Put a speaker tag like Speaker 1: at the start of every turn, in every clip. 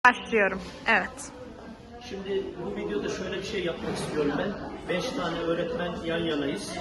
Speaker 1: Başlıyorum. Evet.
Speaker 2: Şimdi bu videoda şöyle bir şey yapmak istiyorum ben. 5 tane öğretmen yan yanayız.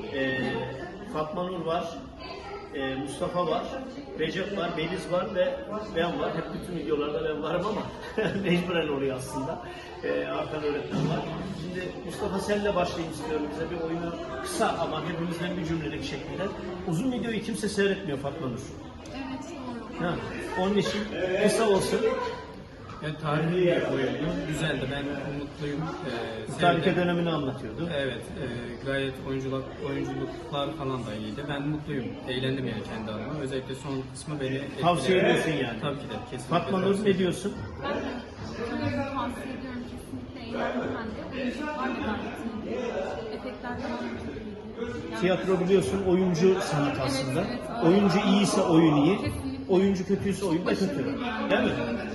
Speaker 2: Fatma Nur var, Mustafa var, Recep var, Beliz var ve ben var. Hep bütün videolarda ben varım ama mecburen oluyor aslında. Arkan öğretmen var. Şimdi Mustafa senle başlayayım istiyorum. Bize bir oyunu kısa ama hepimizden bir cümlelik şekilde. Uzun videoyu kimse seyretmiyor Fatma Nur.
Speaker 3: Evet, doğru.
Speaker 2: Ha, onun için kısa olsun.
Speaker 4: Yani tarihi bir oyundu. Güzeldi. Ben mutluyum.
Speaker 2: Tarike
Speaker 4: Sevdim.
Speaker 2: dönemini anlatıyordu.
Speaker 4: Evet. Gayet oyunculuklar falan da iyiydi. Ben mutluyum. Eğlendim yani kendi adıma. Özellikle son kısmı beni etkiledi.
Speaker 2: Tavsiye ediyorsun yani.
Speaker 4: Tabii ki de. Kesinlikle.
Speaker 2: Fatma Nur
Speaker 4: tavsiye
Speaker 2: ne diyorsun?
Speaker 3: Ben de sanırım tavsiye ediyorum. Kesinlikle eğlendim ben de. Oyunculuklar da gayet iyiydi. Efektler falan da çok iyiydi. Yani
Speaker 2: Tiyatro biliyorsun oyuncu sanat aslında.
Speaker 3: evet, evet.
Speaker 2: Oyuncu iyiyse oyun iyi.
Speaker 3: Kesinlikle.
Speaker 2: Oyuncu kötüyse oyun da kötü.
Speaker 3: başarılı bir oyun.
Speaker 2: Değil mi?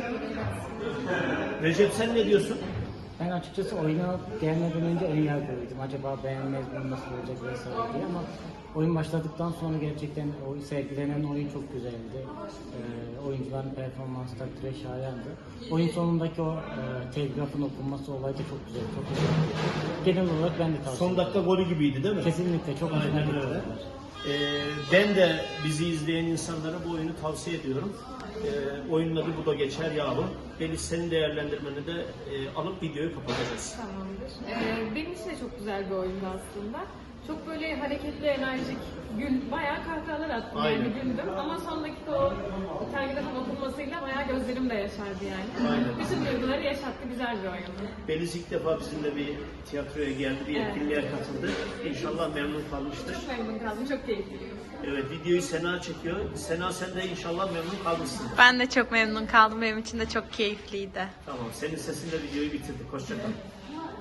Speaker 3: Evet.
Speaker 2: Recep sen ne diyorsun?
Speaker 5: Ben açıkçası oyuna gelmeden önce ön yargılıydım. Acaba beğenmez mi, nasıl olacak vesaire diye ama oyun başladıktan sonra gerçekten o sergilenen oyun çok güzeldi. Oyuncuların performansı takdire şayandı. Oyun sonundaki o telgrafın okunması olayı da çok güzel, çok güzeldi. Genel olarak ben de tavsiye
Speaker 2: Son
Speaker 5: ederim.
Speaker 2: dakika golü gibiydi değil mi?
Speaker 5: Kesinlikle çok hoşuma
Speaker 2: Aynen
Speaker 5: gitti.
Speaker 2: öyle. Ben de bizi izleyen insanlara bu oyunu tavsiye ediyorum. Oyunun adı Bu Da Geçer Yahu. Deniz senin değerlendirmeni de alıp videoyu kapatacağız.
Speaker 6: Tamamdır. Benim için de çok güzel bir oyundu aslında. Çok böyle hareketli, enerjik, bayağı kahkahalar attım
Speaker 2: Aynen.
Speaker 6: yani güldüm. Ama son dakika o telgrafın okunmasıyla bayağı gözlerim de yaşardı yani.
Speaker 2: Aynen.
Speaker 6: Bütün duyguları yaşattı, güzel bir oyundu.
Speaker 2: Beliz ilk defa bizimle bir tiyatroya geldi, bir
Speaker 6: Evet.
Speaker 2: etkinliğe katıldı. İnşallah memnun kalmıştır.
Speaker 6: Çok memnun kaldım, çok keyifliydi.
Speaker 2: Evet, videoyu Sena çekiyor. Sena sen de inşallah memnun kalmışsın.
Speaker 1: Ben de çok memnun kaldım. Benim için de çok keyifliydi.
Speaker 2: Tamam, senin sesinle videoyu bitirdik. Hoşça kal.